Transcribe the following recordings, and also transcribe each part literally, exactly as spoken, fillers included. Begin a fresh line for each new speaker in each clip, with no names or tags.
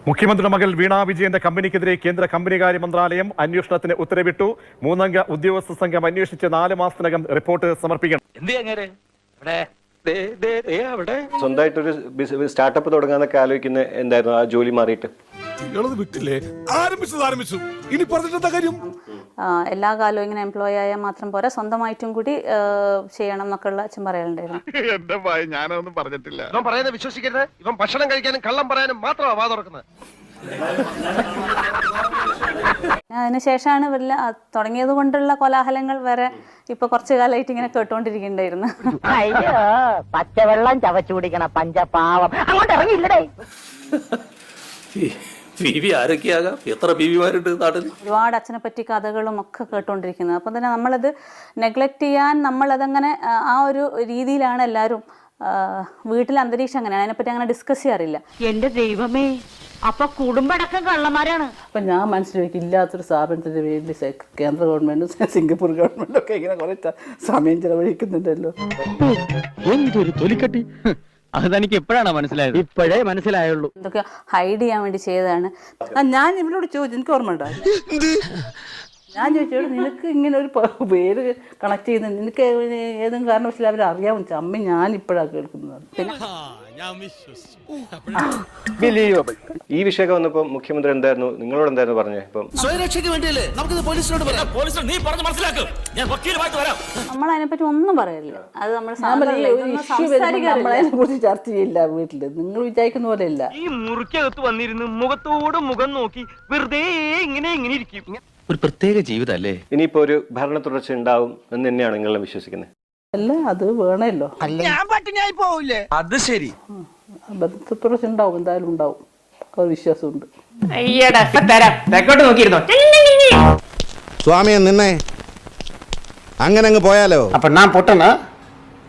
മുഖ്യമന്ത്രിയുടെ മകൾ വീണ വിജയന്റെ കമ്പനിക്കെതിരെ കേന്ദ്ര കമ്പനികാര്യ മന്ത്രാലയം അന്വേഷണത്തിന് ഉത്തരവിട്ടു. മൂന്നംഗ ഉദ്യോഗസ്ഥ സംഘം അന്വേഷിച്ച് നാല് മാസത്തിനകം റിപ്പോർട്ട് സമർപ്പിക്കണം.
സ്വന്തമായിട്ടൊരു സ്റ്റാർട്ടപ്പ് തുടങ്ങാന്നൊക്കെ ആലോചിക്കുന്ന എന്തായിരുന്നു ആ ജോലി മാറിയിട്ട്?
വിട്ടില്ലേ ആരംഭിച്ചത് ആരംഭിച്ചു ഇനി പറഞ്ഞിട്ടെന്താ കാര്യം?
എല്ലാ കാലവും ഇങ്ങനെ എംപ്ലോയി ആയാൽ മാത്രം പോരാ, സ്വന്തമായിട്ടും കൂടി ചെയ്യണം എന്നൊക്കെ ഉള്ള അച്ഛൻ പറയാനുണ്ടായിരുന്നു.
എന്റെ ഭയ ഞാനൊന്നും പറഞ്ഞിട്ടില്ല.
ഇവൻ പറയുന്നത് വിശ്വസിക്കരുത്. ഇവൻ ഭക്ഷണം കഴിക്കാനും കള്ളം പറയാനും മാത്രമാണ് വാ തുറക്കുന്നത്.
അതിനുശേഷമാണ് വല്ല തുടങ്ങിയത് കൊണ്ടുള്ള കോലാഹലങ്ങൾ വരെ ഇപ്പൊ കുറച്ചു കാലമായിട്ട് ഇങ്ങനെ കേട്ടോണ്ടിരിക്കണ്ടായിരുന്നു.
പച്ചവെള്ളം ചവച്ചു കുടിക്കണ പഞ്ചപാവം അങ്ങോട്ട് ഇറങ്ങിയില്ലടേ.
എത്ര ബീവിമാരുണ്ട് നാട്ടിൽ?
ഒരുപാട് അച്ഛനെ പറ്റി കഥകളും ഒക്കെ കേട്ടോണ്ടിരിക്കുന്നത്. അപ്പം തന്നെ നമ്മളത് നെഗ്ലക്ട് ചെയ്യാൻ നമ്മളതങ്ങനെ ആ ഒരു രീതിയിലാണ് എല്ലാവരും. വീട്ടിലെ അന്തരീക്ഷം അങ്ങനെയാണ്, അതിനെപ്പറ്റി അങ്ങനെ ഡിസ്കസ് ചെയ്യാറില്ല.
എന്റെ ദൈവമേ, അപ്പൊ കുടുംബടക്കം കള്ളന്മാരാണ്.
അപ്പൊ ഞാൻ മനസ്സിലാക്കി ഇല്ലാത്തൊരു സ്ഥാപനത്തിന്റെ വേണ്ടി കേന്ദ്ര ഗവൺമെന്റും സിംഗപ്പൂർ ഗവൺമെന്റും ഒക്കെ ഇങ്ങനെ കുറെ സമയം ചെലവഴിക്കുന്നുണ്ടല്ലോ.
എന്തൊരു തൊലിക്കട്ടി! അത് തനിക്ക് എപ്പോഴാണ് മനസ്സിലായത്? ഇപ്പോഴേ മനസ്സിലായുള്ളൂ.
എന്തൊക്കെ ഹൈഡ് ചെയ്യാൻ വേണ്ടി ചെയ്തതാണ്.
ഞാൻ ഇവരോട് ചോദിച്ചു, എനിക്ക് ഓർമ്മ ഉണ്ടായി. ഞാൻ ചോദിച്ചോളൂ, നിനക്ക് ഇങ്ങനെ ഒരു പേര് കണക്ട് ചെയ്യുന്നത് നിനക്ക് ഏതെങ്കിലും കാരണവശാലും അവരെ അറിയാമെന്ന് അമ്മ ഞാൻ ഇപ്പോഴാണ് കേൾക്കുന്നത്. പിന്നെ
ഈ വിഷയമൊക്കെ വന്നപ്പോ മുഖ്യമന്ത്രി എന്തായിരുന്നു നിങ്ങളോട് എന്തായിരുന്നു പറഞ്ഞത്? ഇപ്പം
നമ്മൾ അതിനെപ്പറ്റി ഒന്നും പറയില്ല. അത് നമ്മൾ
നമ്മളതിനെ കുറിച്ച് ചർച്ച ചെയ്യില്ല വീട്ടില്. നിങ്ങൾ വിചാരിക്കുന്ന പോലെ അല്ല.
ഈ മുറിക്കകത്ത് വന്നിരുന്ന് മുഖത്തോട് മുഖം നോക്കി വെറുതെ ഇങ്ങനെ ഇങ്ങനെ ഇരിക്കും.
ഒരു പ്രത്യേക ജീവിതല്ലേ.
ഇനിയിപ്പോ ഒരു ഭരണ തുടർച്ച ഉണ്ടാവും എന്ന് തന്നെയാണ് നിങ്ങളെല്ലാം വിശ്വസിക്കുന്നത്?
അല്ല, അത് വേണമല്ലോ.
അത് ശരി,
ഭരണ തുടർച്ച ഉണ്ടാവും, എന്തായാലും ഉണ്ടാവും, ഒരു വിശ്വാസമുണ്ട്.
സ്വാമിയെ നിന്നെ അങ്ങനെ അങ്ങ് പോയാലോ?
അപ്പൊ ഞാൻ പൊട്ടനാ?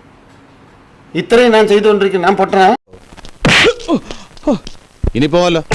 ഇത്രയും ഞാൻ ചെയ്തുകൊണ്ടിരിക്കുന്നു, ഞാൻ പൊട്ടനാ?
ഇനി പോവല്ലോ.